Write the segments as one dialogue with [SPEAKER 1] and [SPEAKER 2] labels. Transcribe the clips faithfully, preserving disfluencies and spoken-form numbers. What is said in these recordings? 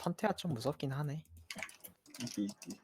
[SPEAKER 1] 컨테가 좀 무섭긴 하네.
[SPEAKER 2] 있기 있기.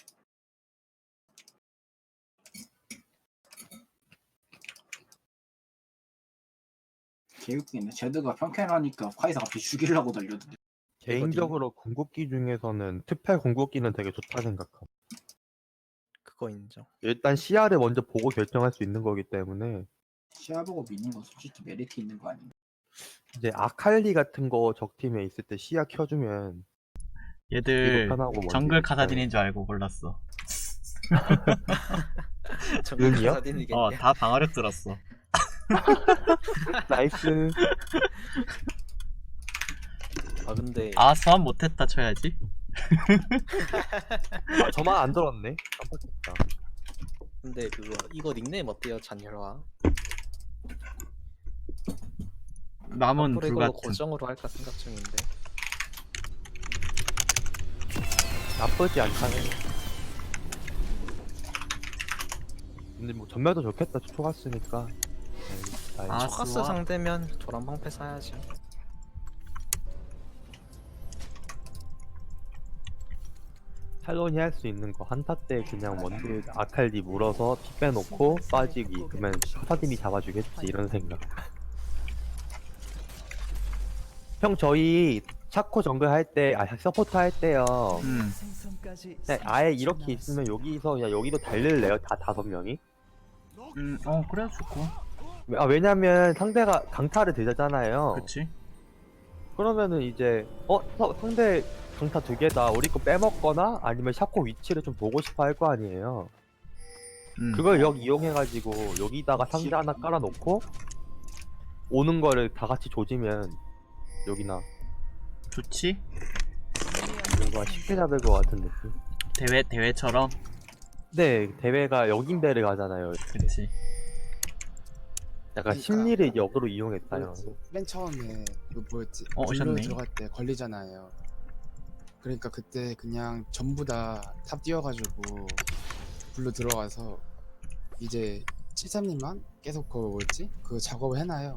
[SPEAKER 2] 개웃기네. 제드가 평캔하니까 카이사 갑자기 죽이려고 달려드네.
[SPEAKER 3] 개인적으로 궁극기 중에서는 특패 궁극기는 되게 좋다 생각함.
[SPEAKER 1] 그거 인정.
[SPEAKER 3] 일단 시야를 먼저 보고 결정할 수 있는 거기 때문에
[SPEAKER 2] 시야 보고 미는 건 솔직히 메리트 있는 거 아닌가?
[SPEAKER 3] 이제 아칼리 같은 거 적팀에 있을 때 시야 켜주면
[SPEAKER 4] 얘들
[SPEAKER 3] 편하고 뭔지
[SPEAKER 4] 정글
[SPEAKER 3] 있어요.
[SPEAKER 4] 카사딘인 줄 알고 골랐어.
[SPEAKER 1] 정글
[SPEAKER 3] 응이요?
[SPEAKER 1] 카사딘이겠네.
[SPEAKER 4] 어, 다 방어력 들었어.
[SPEAKER 3] 나이스.
[SPEAKER 1] 아 근데
[SPEAKER 4] 아, 소환 못했다 쳐야지.
[SPEAKER 3] 아, 저만 안 들었네. 깜빡했다.
[SPEAKER 1] 근데 그거 이거 닉네임 어때요, 잔열화?
[SPEAKER 4] 남은
[SPEAKER 1] 앞으로 이걸로
[SPEAKER 4] 불같은.
[SPEAKER 1] 고정으로 할까 생각 중인데.
[SPEAKER 3] 나쁘지 않다네. 근데 뭐 전멸도 좋겠다. 초갔으니까.
[SPEAKER 4] 아,
[SPEAKER 1] 초가스
[SPEAKER 4] 좋아.
[SPEAKER 1] 상대면 도란방패 사야지.
[SPEAKER 3] 탈론이 할 수 있는 거 한타 때 그냥 원딜 아칼리 물어서 피 빼놓고 빠지기. 그러면 카사딘이 잡아주겠지 이런 생각. 형 저희 차코 정글 할 때, 아 서포트 할 때요.
[SPEAKER 4] 음.
[SPEAKER 3] 네, 아예 이렇게 있으면 여기서 그냥 여기도 달릴래요? 다 다섯 명이?
[SPEAKER 4] 음, 어, 그래 좋고.
[SPEAKER 3] 아 왜냐면 상대가 강타를 들잖아요.
[SPEAKER 4] 그치?
[SPEAKER 3] 그러면은 이제 어 서- 상대 강타 두 개다. 우리 거 빼먹거나 아니면 샤코 위치를 좀 보고 싶어 할 거 아니에요.
[SPEAKER 4] 음.
[SPEAKER 3] 그걸 여기 이용해가지고 여기다가 상자 하나 깔아놓고 오는 거를 다 같이 조지면 여기나
[SPEAKER 4] 좋지?
[SPEAKER 3] 뭔가 쉽게 잡을 것 같은 느낌.
[SPEAKER 4] 대회, 대회처럼?
[SPEAKER 3] 네, 대회가 역인배를 가잖아요.
[SPEAKER 4] 그치.
[SPEAKER 3] 약간
[SPEAKER 5] 그러니까
[SPEAKER 3] 심리를 역으로 이용했다. 형.
[SPEAKER 5] 뭐였지? 맨 처음에 그 뭐였지?
[SPEAKER 4] 어,
[SPEAKER 5] 블루
[SPEAKER 4] 오셨네.
[SPEAKER 5] 들어갈 때 걸리잖아요. 그러니까 그때 그냥 전부 다 탑 뛰어가지고 블루 들어가서 이제 칠삼님만 계속 그거 뭐였지? 그 작업을 해놔요.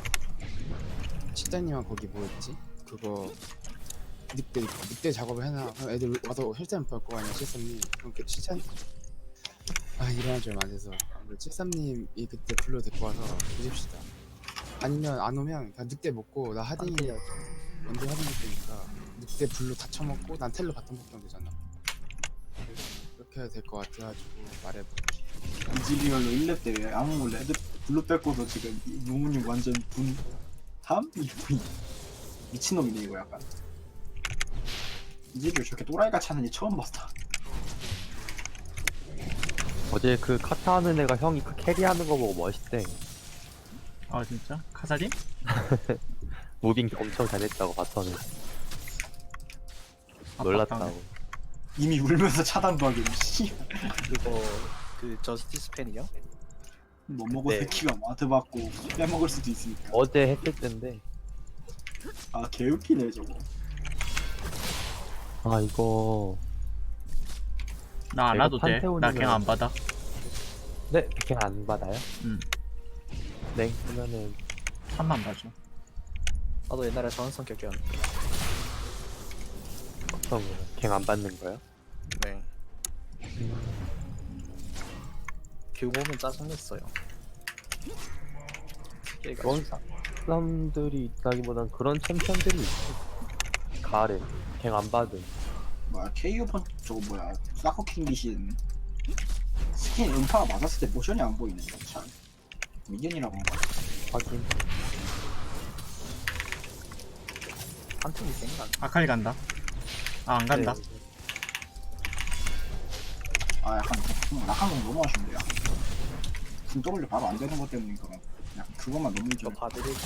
[SPEAKER 5] 칠삼님만 거기 뭐였지? 그거 늑대 늑대 작업을 해놔. 그럼 애들 와서 혈전 밟고 아니야 칠삼님. 그럼 칠삼 아 일어날 줄 맞아서 칠삼님이 그때 블루 데리고 와서 뒤집시다. 아니면 안 오면 그냥 늑대 먹고 나 하딩이 먼저 하딩 때니까 늑대 블루 다 쳐먹고 난 텔로 바텀 먹으면 되잖아. 그렇게 해야 될 것 같아가지고 말해볼게.
[SPEAKER 2] 이지리얼로 일 렙 대회 아무 몰래 애들 블루 뺏고서 지금 무무님 완전 분 다음 이분 미친놈이네 이거 약간. 이지리얼 저렇게 또라이같이 하는지 처음 봤다.
[SPEAKER 3] 어제 그 카타 하는 애가 형이 그 캐리하는 거 보고 멋있대.
[SPEAKER 4] 아, 진짜? 카사딘?
[SPEAKER 3] 무빙 엄청 잘했다고 봤더니 놀랐다고.
[SPEAKER 2] 이미 울면서 차단도 하기 씨.
[SPEAKER 1] 그거 그 저스티스 팬이요?
[SPEAKER 2] 뭐 먹어
[SPEAKER 1] 네.
[SPEAKER 2] 새끼가 마트 받고 빼먹을 수도 있으니까.
[SPEAKER 3] 어제 했을 텐데.
[SPEAKER 2] 아 개웃기네 저거.
[SPEAKER 3] 아 이거
[SPEAKER 4] 나 안
[SPEAKER 3] 내가
[SPEAKER 4] 와도 돼. 나
[SPEAKER 3] 판테온이면-
[SPEAKER 4] 그냥 안 받아.
[SPEAKER 3] 네 그냥 안 받아요?
[SPEAKER 4] 음.
[SPEAKER 3] 네 그러면은
[SPEAKER 4] 한만 봐줘.
[SPEAKER 1] 나도 옛날에 저런 성격이었는데.
[SPEAKER 3] 어떤 거요? 갱 안 받는 거요?
[SPEAKER 1] 네. 그 보면 짜증냈어요. 얘가
[SPEAKER 3] 그런 사- 사람들이 있다기보단 그런 챔피언들이 있어. 가을에 갱 안 받은.
[SPEAKER 2] 뭐야 케이오 펀 저거 뭐야 사커킹 귀신 스킨 음파가 맞았을 때 모션이 안 보이네. 참 미견이라고 한가?
[SPEAKER 3] 확인.
[SPEAKER 1] 한 팀이 생각.
[SPEAKER 4] 아칼리 간다. 아, 안 간다.
[SPEAKER 3] 네.
[SPEAKER 2] 아 약간 좀 낙한 건 너무 아쉽네요. 궁 W 바로 안 되는 것 때문인가 봐. 그냥 그것만 너무
[SPEAKER 1] 저
[SPEAKER 2] 좀
[SPEAKER 1] 봐드리고.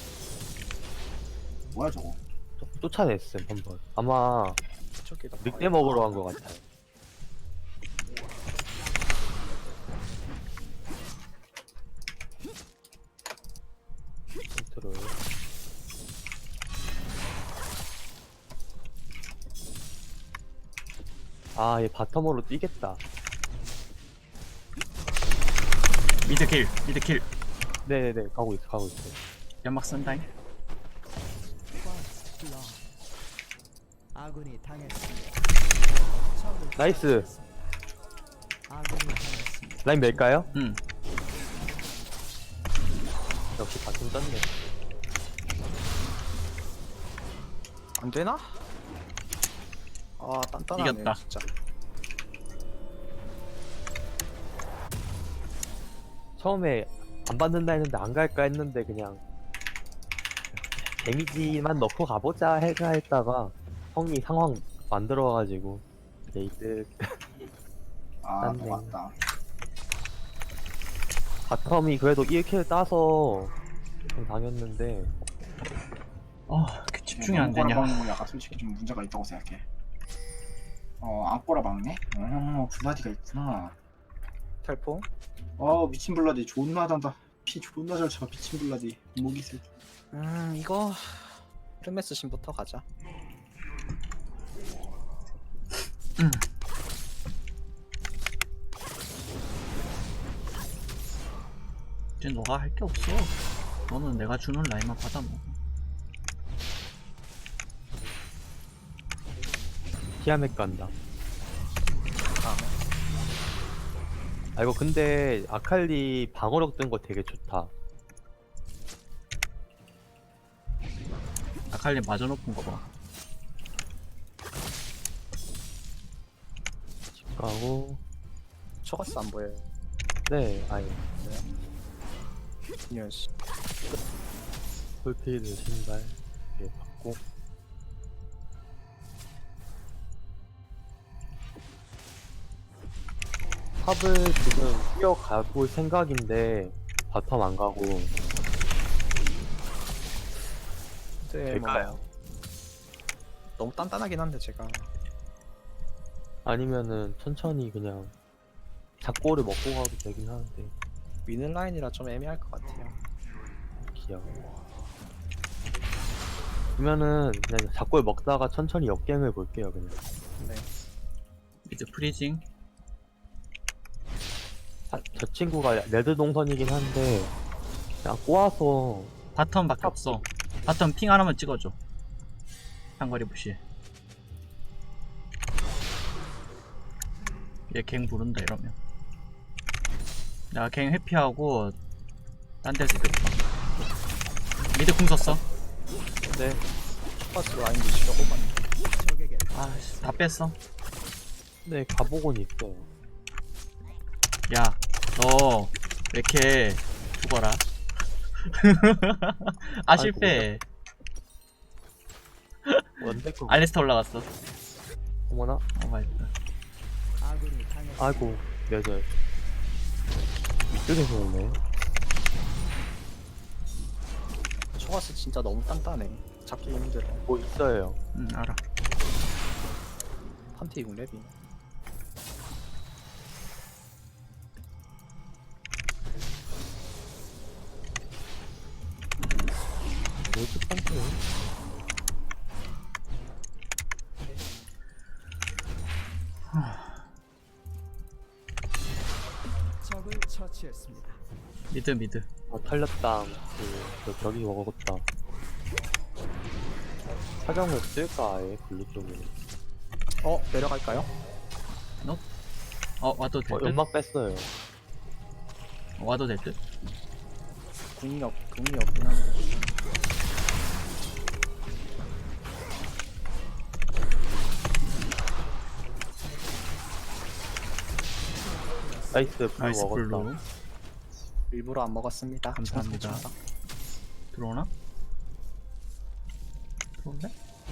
[SPEAKER 2] 뭐야 저거.
[SPEAKER 3] 쫓- 쫓아냈음 한번. 아마
[SPEAKER 1] 저기다.
[SPEAKER 3] 늑대 먹으러 간 것 같아요. 컨트롤. 아, 얘 바텀으로 뛰겠다.
[SPEAKER 4] 미드킬, 미드킬.
[SPEAKER 3] 네네네, 가고 있어, 가고 있어.
[SPEAKER 4] 연막 쓴다잉.
[SPEAKER 6] 아군이 당했습니다. 적을
[SPEAKER 3] 나이스.
[SPEAKER 6] 아군이 당했습니다.
[SPEAKER 3] 라인 멜까요?
[SPEAKER 4] 응.
[SPEAKER 3] 역시 바텀 떴네.
[SPEAKER 1] 안 되나? 아 단단하네
[SPEAKER 4] 이겼다.
[SPEAKER 1] 진짜.
[SPEAKER 3] 처음에 안 받는다 했는데 안 갈까 했는데 그냥 데미지만 넣고 가보자 해가 했다가 형이 상황 만들어가지고 레이드
[SPEAKER 2] 아
[SPEAKER 3] 맞네.
[SPEAKER 2] 맞다.
[SPEAKER 3] 바텀이 그래도 일 킬 따서 좀 당했는데
[SPEAKER 4] 어, 그 집중이 안
[SPEAKER 2] 꼬라
[SPEAKER 4] 되냐.
[SPEAKER 2] 박는 거 약간 솔직히 좀 문제가 있다고 생각해. 어, 안 꼬라 박네? 어, 블라디가 있구나.
[SPEAKER 1] 텔포?
[SPEAKER 2] 어, 미친 블라디 존나 단다. 피 존나 잘 차, 미친 블라디. 목이 세.
[SPEAKER 1] 음 이거 르메스 신부터 가자.
[SPEAKER 4] 응. 이제 너가 할 게 없어. 너는 내가 주는 라인만 받아 먹어.
[SPEAKER 3] 티아멧 간다.
[SPEAKER 1] 다음에
[SPEAKER 3] 아 이거 근데 아칼리 방어력 뜬 거 되게 좋다.
[SPEAKER 4] 아칼리 마저 높은 거 봐.
[SPEAKER 3] 집 가고
[SPEAKER 1] 초가스 안 보여요.
[SPEAKER 3] 네 아예
[SPEAKER 1] 이런 씨.
[SPEAKER 3] 풀필드 신발 예 받고 탑을 지금 뛰어가볼 생각인데 바텀 안 가고
[SPEAKER 1] 근데
[SPEAKER 3] 될까요?
[SPEAKER 1] 뭐 너무 단단하긴 한데 제가
[SPEAKER 3] 아니면은 천천히 그냥 작고를 먹고 가도 되긴 하는데
[SPEAKER 1] 위는 라인이라 좀 애매할 것 같아요.
[SPEAKER 3] 귀여워. 그러면은 그냥 작고를 먹다가 천천히 역갱을 볼게요 그냥.
[SPEAKER 1] 네.
[SPEAKER 4] 미드 프리징.
[SPEAKER 3] 아, 저 친구가 레드 동선이긴 한데 그냥 꼬아서
[SPEAKER 4] 바텀밖에 없어. 바텀 핑 하나만 찍어줘. 상거리 부시. 얘 갱 부른다 이러면. 내가 갱 회피하고 딴 데서 이겼다. 미드 궁 썼어.
[SPEAKER 1] 네. 초가스 라인 위치가 뽑았네.
[SPEAKER 6] 적에게
[SPEAKER 4] 아씨 다 뺐어.
[SPEAKER 3] 네 가보곤 있어요.
[SPEAKER 4] 야, 너 왜 이렇게 죽어라? 아 실패.
[SPEAKER 3] 원데크
[SPEAKER 4] 알리스타 올라갔어.
[SPEAKER 3] 어머나
[SPEAKER 4] 어 맛있다.
[SPEAKER 6] 아군이 당했습니다.
[SPEAKER 3] 아이고 뇌절 위쪽에서 오네.
[SPEAKER 1] 초가스 진짜 너무 단단해. 잡기 힘들어.
[SPEAKER 3] 뭐 있어요.
[SPEAKER 4] 응 알아.
[SPEAKER 1] 판티 육 렙이.
[SPEAKER 3] 뭐지 판테?
[SPEAKER 6] 적을 처치했습니다.
[SPEAKER 4] 미드 미드.
[SPEAKER 3] 어 털렸다. 그, 그 벽이 먹었다. 사정을 쓸까 아예 블루 쪽으로.
[SPEAKER 1] 어 내려갈까요?
[SPEAKER 4] 어 와도 될
[SPEAKER 3] 어
[SPEAKER 4] 듯?
[SPEAKER 3] 연막 뺐어요.
[SPEAKER 4] 어, 와도 될 듯?
[SPEAKER 1] 궁이 없 궁이 없긴 한데.
[SPEAKER 3] 나이스 블루
[SPEAKER 4] 나이스
[SPEAKER 3] 먹었다.
[SPEAKER 4] 블루.
[SPEAKER 1] 일부러 안 먹었습니다.
[SPEAKER 4] 감사합니다.
[SPEAKER 1] 청소해줘서.
[SPEAKER 4] 들어오나? 들어온대?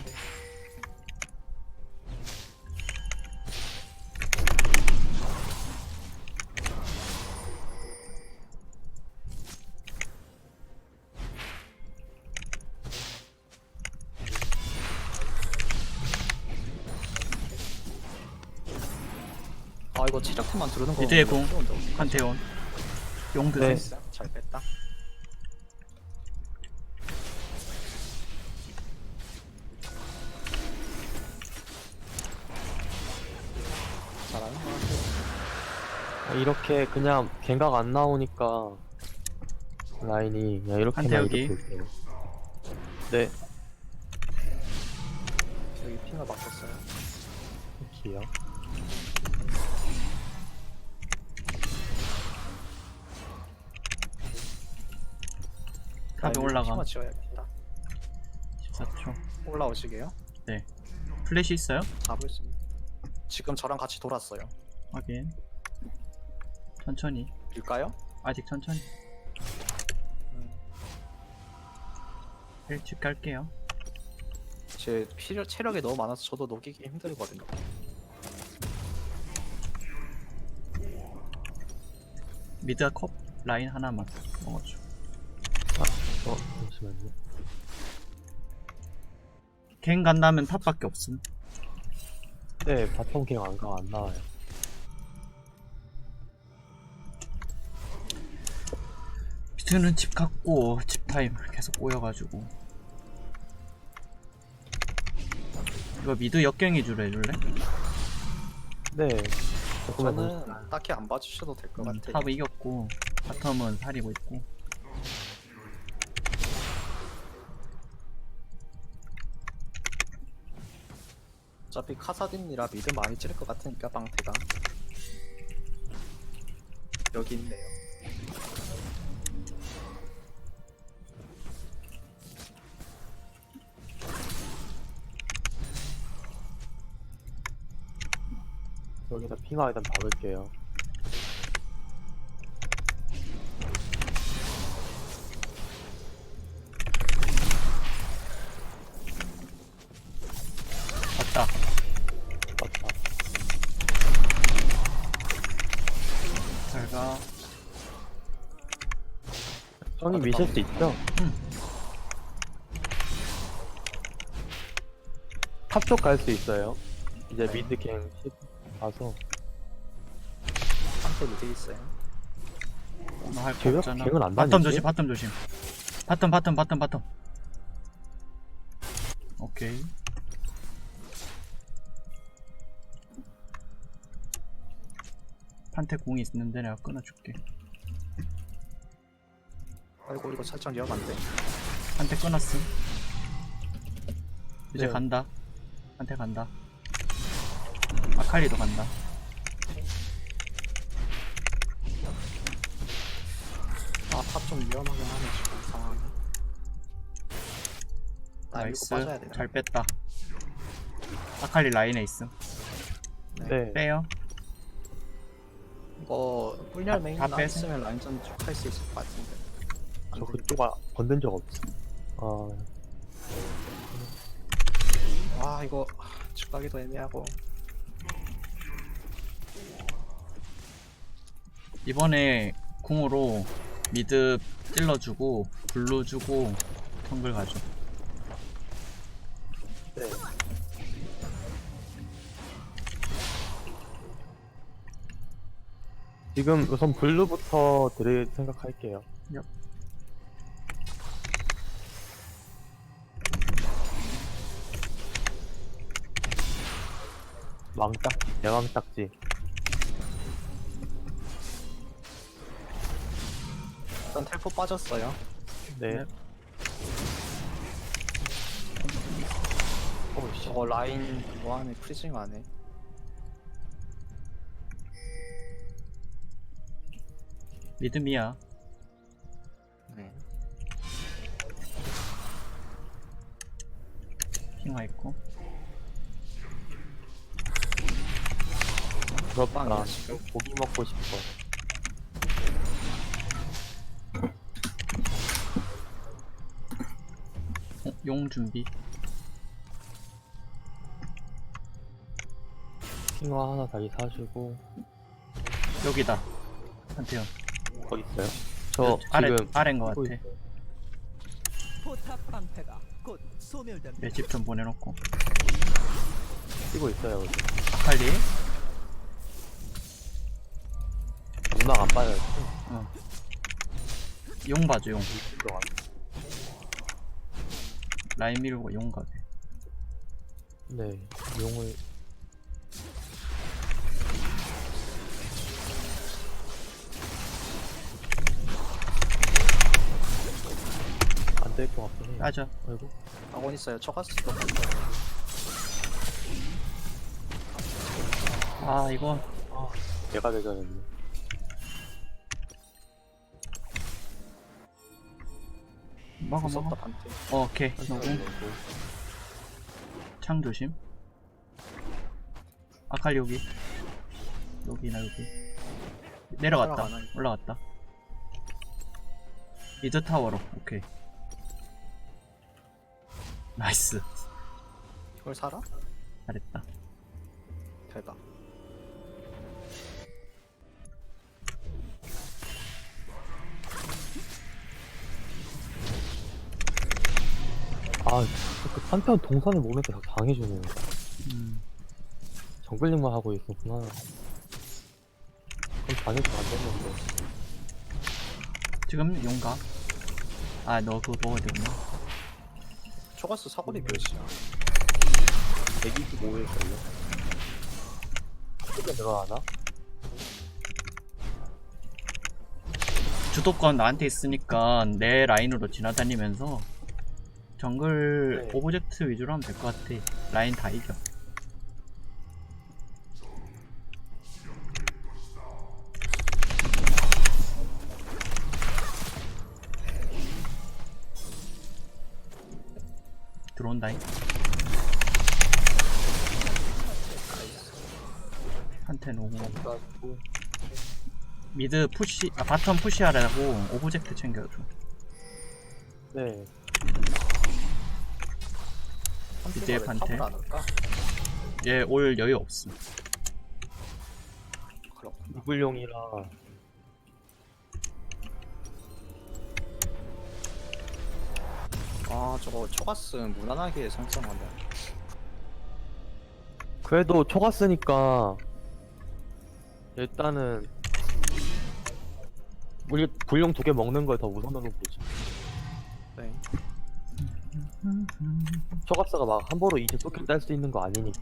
[SPEAKER 1] 아 이거 체력팀만 두르는 거.
[SPEAKER 4] 미드의 공.
[SPEAKER 1] 어려운데.
[SPEAKER 4] 판테온. 용드.
[SPEAKER 3] 네.
[SPEAKER 1] 됐어. 잘 뺐다. 잘하는 것 같아요.
[SPEAKER 3] 아, 이렇게 그냥 갱각 안 나오니까 라인이 그냥 이렇게만
[SPEAKER 4] 한태욱이.
[SPEAKER 3] 이렇게 볼게요. 네.
[SPEAKER 1] 여기 핑을 바꿨어요.
[SPEAKER 3] 기요.
[SPEAKER 4] 탑에 올라가.
[SPEAKER 1] 핑을 지어야겠다.
[SPEAKER 4] 십사 초.
[SPEAKER 1] 올라오시게요.
[SPEAKER 4] 플래시 있어요?
[SPEAKER 1] 잡을 수 있는. 지금 저랑 같이 돌았어요.
[SPEAKER 4] 확인. 천천히.
[SPEAKER 1] 빌까요?
[SPEAKER 4] 아직 천천히. 일찍 갈게요.
[SPEAKER 1] 제 피력, 체력이 너무 많아서 저도 녹이기 힘들거든요.
[SPEAKER 4] 미드 컵 라인 하나만 먹어줘.
[SPEAKER 3] 어, 잠시만요.
[SPEAKER 4] 갱 간다면 탑밖에 없음.
[SPEAKER 3] 네, 바텀 갱 안 가, 안 나와요.
[SPEAKER 4] 미드는 집 갔고 집 타임 계속 꼬여가지고. 이거 미드 역경위주로 해줄래?
[SPEAKER 3] 네. 조금만 더.
[SPEAKER 1] 저는 딱히 안 봐주셔도 될 것
[SPEAKER 4] 음,
[SPEAKER 1] 같아요.
[SPEAKER 4] 탑은 이겼고 바텀은 사리고 있고.
[SPEAKER 1] 어차피 카사딘이라 미드 많이 찌를 것 같으니까 방태가 여기 있네요.
[SPEAKER 3] 여기다 핑하 일단 박을게요.
[SPEAKER 4] 맞다.
[SPEAKER 3] 맞다.
[SPEAKER 4] 잘가.
[SPEAKER 3] 형이 미실 수 있죠? 탑 쪽 갈 수 있어요. 이제 미드 갱 가서.
[SPEAKER 1] 방태 미드 있어요.
[SPEAKER 4] 오늘 할거
[SPEAKER 3] 갱은
[SPEAKER 4] 없잖아.
[SPEAKER 3] 갱은 안
[SPEAKER 4] 바텀
[SPEAKER 3] 다니지?
[SPEAKER 4] 조심, 바텀 조심. 바텀, 바텀, 바텀, 바텀. 오케이. 판테 공이 있는데 내가 끊어줄게.
[SPEAKER 1] 아이고 이거 살짝 위험한데.
[SPEAKER 4] 판테 끊었음. 이제
[SPEAKER 3] 네.
[SPEAKER 4] 간다. 판테 간다. 아칼리도 간다.
[SPEAKER 1] 아탑 좀 위험하긴 하네 지금 상황이. 나
[SPEAKER 4] 나이스.
[SPEAKER 1] 이거 빠져야 되나?
[SPEAKER 4] 잘 뺐다. 아칼리 라인에 있음.
[SPEAKER 3] 네.
[SPEAKER 4] 빼요.
[SPEAKER 1] 이거 꿀렬 메인
[SPEAKER 4] 다
[SPEAKER 1] 나
[SPEAKER 4] 빼서?
[SPEAKER 1] 있으면 라인전 쭉 할 수 있을 것 같은데. 안
[SPEAKER 3] 저
[SPEAKER 1] 되겠다.
[SPEAKER 3] 그쪽 아, 건든 적 없어. 아,
[SPEAKER 1] 와 이거 집 가기도 애매하고.
[SPEAKER 4] 이번에 궁으로 미드 찔러주고 블루 주고 텀블 가죠.
[SPEAKER 3] 네. 지금 우선 블루부터 드릴 생각할게요.
[SPEAKER 4] 얍.
[SPEAKER 3] 왕딱, 대왕딱지.
[SPEAKER 1] 일단 텔포 빠졌어요.
[SPEAKER 3] 네.
[SPEAKER 4] 네.
[SPEAKER 3] 오씨.
[SPEAKER 1] 저거 라인 그거 안에 프리징 안에.
[SPEAKER 4] 믿음이야.
[SPEAKER 1] 네.
[SPEAKER 4] 핑화 있고.
[SPEAKER 3] 부럽다.
[SPEAKER 1] 빵이야, 지금.
[SPEAKER 3] 고기 먹고 싶어.
[SPEAKER 4] 어, 용 준비.
[SPEAKER 3] 핑화 하나 다시 사주고.
[SPEAKER 4] 여기다. 한태현.
[SPEAKER 3] 거기 있어요? 저
[SPEAKER 4] 아래
[SPEAKER 3] 지금
[SPEAKER 4] 아래인 것
[SPEAKER 3] 쓰고
[SPEAKER 4] 같아.
[SPEAKER 3] 있어요.
[SPEAKER 6] 포탑 방패가 곧 소멸됩니다.
[SPEAKER 4] 내 집 좀 보내놓고.
[SPEAKER 3] 쓰고 있어요. 여기.
[SPEAKER 4] 아칼리.
[SPEAKER 3] 음악 안 빠져요.
[SPEAKER 4] 어. 용 봐줘 용.
[SPEAKER 3] 동안.
[SPEAKER 4] 라인 밀고 용 가게.
[SPEAKER 3] 네. 용을 안 될 것 같긴 해요.
[SPEAKER 4] 따져.
[SPEAKER 3] 아이고.
[SPEAKER 1] 아곤 있어요. 초가스도 갔어요.
[SPEAKER 4] 아 이거
[SPEAKER 3] 내가 대전했네.
[SPEAKER 4] 먹어
[SPEAKER 1] 무섭다
[SPEAKER 4] 먹어.
[SPEAKER 1] 반대.
[SPEAKER 4] 어, 오케이. 노공. 창 조심. 아칼리 여기. 여기나 여기. 내려갔다.
[SPEAKER 1] 올라가나, 이거?
[SPEAKER 4] 올라갔다. 이즈 타워로. 오케이. 나이스.
[SPEAKER 1] 이걸 살아?
[SPEAKER 4] 잘했다.
[SPEAKER 1] 대박.
[SPEAKER 3] 아, 그 판테온 동선을 모르니까 다 당해주네.
[SPEAKER 4] 음.
[SPEAKER 3] 정글링만 하고 있었구나. 그럼 당해주면 안 됐는데.
[SPEAKER 4] 지금 용가. 아, 너 그거 먹어야 되구나.
[SPEAKER 1] 초가스 사거리 몇이야?
[SPEAKER 3] 백이십오일걸요? 크게 늘어나나?
[SPEAKER 4] 주도권 나한테 있으니까 내 라인으로 지나다니면서 정글
[SPEAKER 3] 네.
[SPEAKER 4] 오브젝트 위주로 하면 될 것 같아. 라인 다 이겨. 들어온다잉. 한테 노고. 미드 푸시, 아 바텀 푸시하라고 오브젝트 챙겨줘.
[SPEAKER 3] 네.
[SPEAKER 4] 이제 반대.
[SPEAKER 1] 안 올까?
[SPEAKER 4] 얘 올 여유 없음.
[SPEAKER 1] 그렇구나.
[SPEAKER 3] 무불용이라.
[SPEAKER 1] 아 저거 초가스 무난하게 상승한다.
[SPEAKER 3] 그래도 초가 쓰니까 일단은 우리 불용 두 개 먹는 걸 더 우선으로 보지.
[SPEAKER 1] 네.
[SPEAKER 3] 초가스가 막 함부로 이제 쏘킬 딸 수 있는 거 아니니까.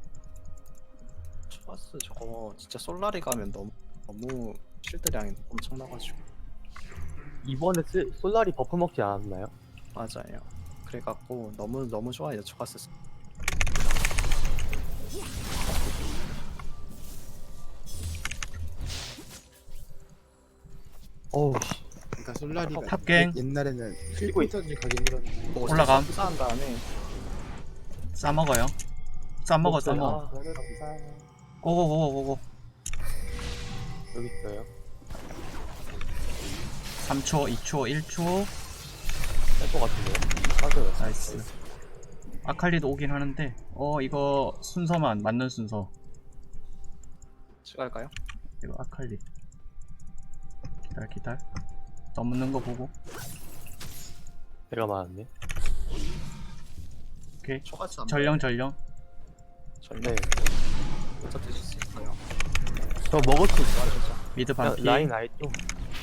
[SPEAKER 1] 초가스 저거 진짜 솔라리 가면 너무 너무 실드량이 엄청나가지고.
[SPEAKER 3] 이번에 쓰, 솔라리 버프 먹지 않았나요?
[SPEAKER 1] 맞아요. 그래갖고 너무 너무 좋아요 초가스.
[SPEAKER 3] 어우 씨.
[SPEAKER 5] 그러니까 솔라리가
[SPEAKER 4] 탑갱.
[SPEAKER 5] 옛날에는
[SPEAKER 3] 뛰고 있-
[SPEAKER 5] 필터를 가기 힘들었는데
[SPEAKER 1] 뭐
[SPEAKER 4] 올라감.
[SPEAKER 1] 쌓은 다음에
[SPEAKER 4] 싸먹어요. 싸먹어 싸먹어.
[SPEAKER 3] 아,
[SPEAKER 5] 감사해요.
[SPEAKER 4] 고고고고고고.
[SPEAKER 3] 여기 있어요.
[SPEAKER 4] 삼 초, 이 초, 일 초.
[SPEAKER 3] 뺄것 같은데요? 맞아요.
[SPEAKER 4] 나이스. 아칼리도 오긴 하는데 어 이거 순서만 맞는 순서.
[SPEAKER 1] 찍을까요?
[SPEAKER 4] 이거 아칼리. 기다려 기다려. 넘는 거 보고.
[SPEAKER 3] 내가 맞았네.
[SPEAKER 4] 오케이.
[SPEAKER 1] 초가스 안
[SPEAKER 4] 전령 전령.
[SPEAKER 1] 전령.
[SPEAKER 3] 네.
[SPEAKER 1] 먼저 드실 수 있어요.
[SPEAKER 3] 저 먹을 수 있어.
[SPEAKER 1] 진짜.
[SPEAKER 4] 미드
[SPEAKER 3] 야,
[SPEAKER 4] 반피.
[SPEAKER 3] 라인 아예 좀.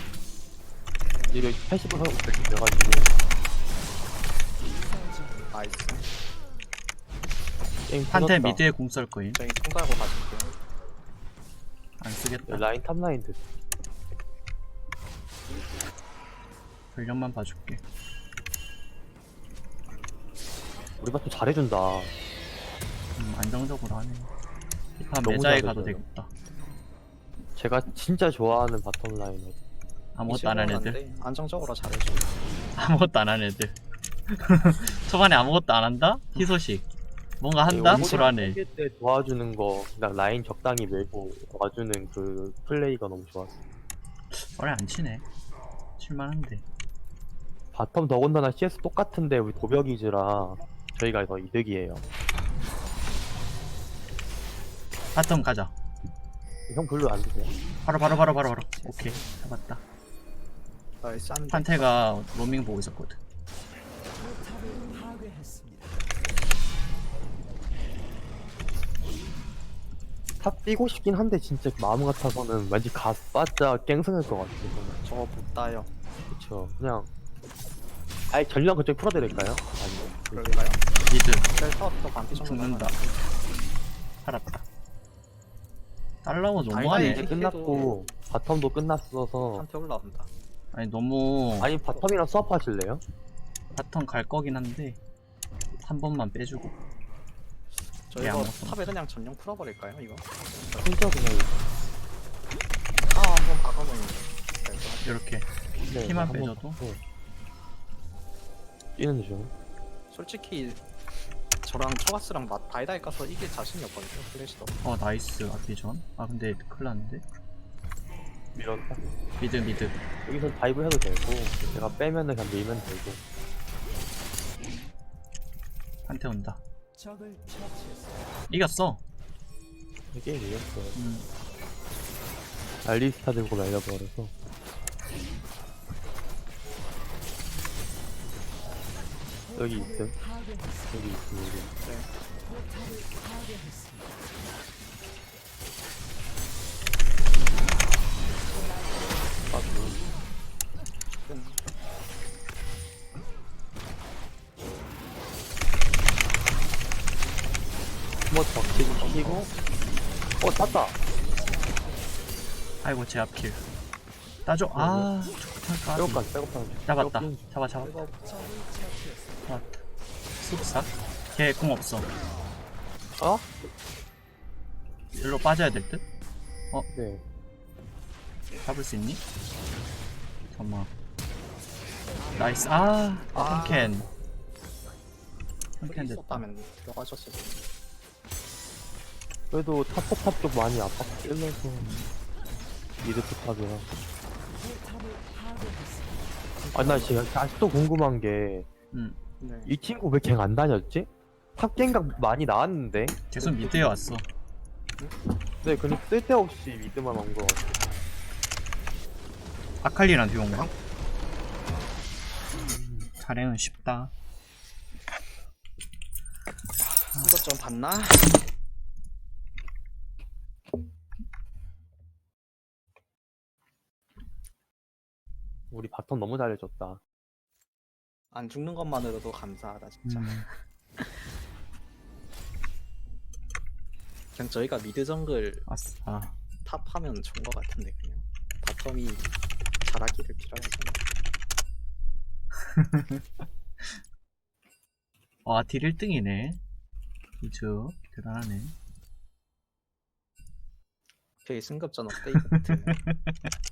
[SPEAKER 3] 이거 팔십 분 하고 돼가지고.
[SPEAKER 1] 나이스.
[SPEAKER 3] 게임
[SPEAKER 4] 한테
[SPEAKER 3] 터졌다.
[SPEAKER 4] 미드에 공 쏠 거임.
[SPEAKER 1] 저희 통 달고 가실게요.
[SPEAKER 4] 안 쓰겠다.
[SPEAKER 3] 라인 탑라인 됐어.
[SPEAKER 4] 전령만 봐줄게.
[SPEAKER 3] 우리 바텀 잘해준다.
[SPEAKER 4] 음, 안정적으로 하네. 이판
[SPEAKER 3] 너무
[SPEAKER 4] 매자에
[SPEAKER 3] 잘해줘요.
[SPEAKER 4] 가도 되겠다.
[SPEAKER 3] 제가 진짜 좋아하는 바텀 라인을.
[SPEAKER 4] 아무것도 안 한 애들.
[SPEAKER 1] 이십오는 안 돼. 안정적으로 잘해줘.
[SPEAKER 4] 아무것도 안 한 애들. 초반에 아무것도 안 한다? 희소식. 뭔가 한다?
[SPEAKER 3] 네,
[SPEAKER 4] 불안해.
[SPEAKER 3] 때 도와주는 거, 그냥 라인 적당히 밀고 도와주는 그 플레이가 너무 좋았어.
[SPEAKER 4] 원래 안 치네. 칠만한데.
[SPEAKER 3] 바텀 더군다나 씨에스 똑같은데 우리 도벽이즈라 저희가 더 이득이에요.
[SPEAKER 4] 바텀 가자.
[SPEAKER 3] 형 별로 안 드세요?
[SPEAKER 4] 바로 바로 바로 바로 바로. 오케이. 잡았다.
[SPEAKER 1] 나이스 한 대.
[SPEAKER 4] 판테가 로밍 보고 있었거든.
[SPEAKER 6] 포탑을 파괴했습니다.
[SPEAKER 3] 탑 뛰고 싶긴 한데 진짜 마음 같아서는 왠지 가스빠짜 갱승할 것 같아. 저는.
[SPEAKER 1] 저거 못 따요.
[SPEAKER 3] 그쵸. 그냥 아예 전령 그쪽 풀어드릴까요? 아니요.
[SPEAKER 1] 그럴까요?
[SPEAKER 4] 미드.
[SPEAKER 1] 셀터부터 반피 정도
[SPEAKER 4] 죽는다.
[SPEAKER 1] 하면
[SPEAKER 4] 살았다. 달라고
[SPEAKER 3] 아니
[SPEAKER 4] 너무하네.
[SPEAKER 3] 이제 끝났고 바텀도 끝났어서
[SPEAKER 1] 한테 올라온다.
[SPEAKER 4] 아니 너무
[SPEAKER 3] 아니 바텀이랑 수업 하실래요?
[SPEAKER 4] 바텀 갈 거긴 한데 한 번만 빼주고.
[SPEAKER 1] 저
[SPEAKER 4] 예,
[SPEAKER 1] 이거
[SPEAKER 4] 아무것도
[SPEAKER 1] 탑에 그냥 전령 풀어버릴까요 이거?
[SPEAKER 3] 진짜 그냥
[SPEAKER 1] 아 한번 박아보면 될것 같아요.
[SPEAKER 4] 이렇게
[SPEAKER 3] 네,
[SPEAKER 4] 피만
[SPEAKER 3] 한번
[SPEAKER 4] 빼줘도?
[SPEAKER 3] 받고. 뛰는 중.
[SPEAKER 1] 솔직히 저랑 초가스랑 맛 다이다이 까서 이길 자신이 없거든요. 플래시도.
[SPEAKER 4] 어 나이스 아비전. 아 근데 큰일 났는데.
[SPEAKER 3] 밀었다.
[SPEAKER 4] 미드 미드.
[SPEAKER 3] 여기서 다이브 해도 되고 제가 빼면은 그냥 밀면 되고.
[SPEAKER 4] 한테 온다.
[SPEAKER 6] 적을 처치했습니다.
[SPEAKER 4] 이겼어.
[SPEAKER 3] 이게 이겼어요.
[SPEAKER 4] 음.
[SPEAKER 3] 알리스타 들고 말려버려서. 여기 있음.
[SPEAKER 6] 파괴했습니다.
[SPEAKER 3] 여기 있음. 여기.
[SPEAKER 6] 포탑을 파괴했습니다.
[SPEAKER 3] 아,
[SPEAKER 1] 음.
[SPEAKER 3] 한번 적히고 키고. 어 땄다.
[SPEAKER 4] 아이고 제 앞킬. 따줘. 아 좋다. 까비.
[SPEAKER 3] 빼고까지 빼고까지.
[SPEAKER 4] 잡았다.
[SPEAKER 3] 빼고
[SPEAKER 4] 잡아 잡아.
[SPEAKER 1] 이거
[SPEAKER 6] 적을 처치했습니다.
[SPEAKER 4] 잡았다. 쑥삭. 걔 공 없어.
[SPEAKER 3] 어?
[SPEAKER 4] 일로 빠져야 될 듯?
[SPEAKER 3] 네.
[SPEAKER 4] 잡을 수 있니? 잠깐만. 나이스. 아,
[SPEAKER 1] 아.
[SPEAKER 4] 한캔. 한캔
[SPEAKER 1] 플레이
[SPEAKER 4] 됐다.
[SPEAKER 1] 있었다면 들어가셨을 텐데.
[SPEAKER 3] 그래도 탑포탑 쪽 많이 압박 찔러서 미드 포탑이라.
[SPEAKER 6] 포탑을 파괴했습니다.
[SPEAKER 3] 아나 지금 아직도 궁금한 게 이
[SPEAKER 4] 응.
[SPEAKER 1] 네.
[SPEAKER 3] 친구 왜 갱 안 다녔지? 탑 갱각 많이 나왔는데.
[SPEAKER 4] 계속 미드에 왔어.
[SPEAKER 3] 네, 근데 쓸데없이 미드만 온 거 같아.
[SPEAKER 4] 아칼리랑 듀오인가? 자랭은 쉽다.
[SPEAKER 1] 이것 좀 봤나?
[SPEAKER 3] 우리 바텀 너무 잘해줬다.
[SPEAKER 1] 안 죽는 것만으로도 감사하다 진짜.
[SPEAKER 4] 음.
[SPEAKER 1] 그냥 저희가 미드 정글
[SPEAKER 4] 아싸.
[SPEAKER 1] 탑하면 좋은 것 같은데 그냥 바텀이 잘하기를 빌어야죠.
[SPEAKER 4] 와, 딜 일 등이네. 그죠? 대단하네.
[SPEAKER 1] 저희 승급전 업데이트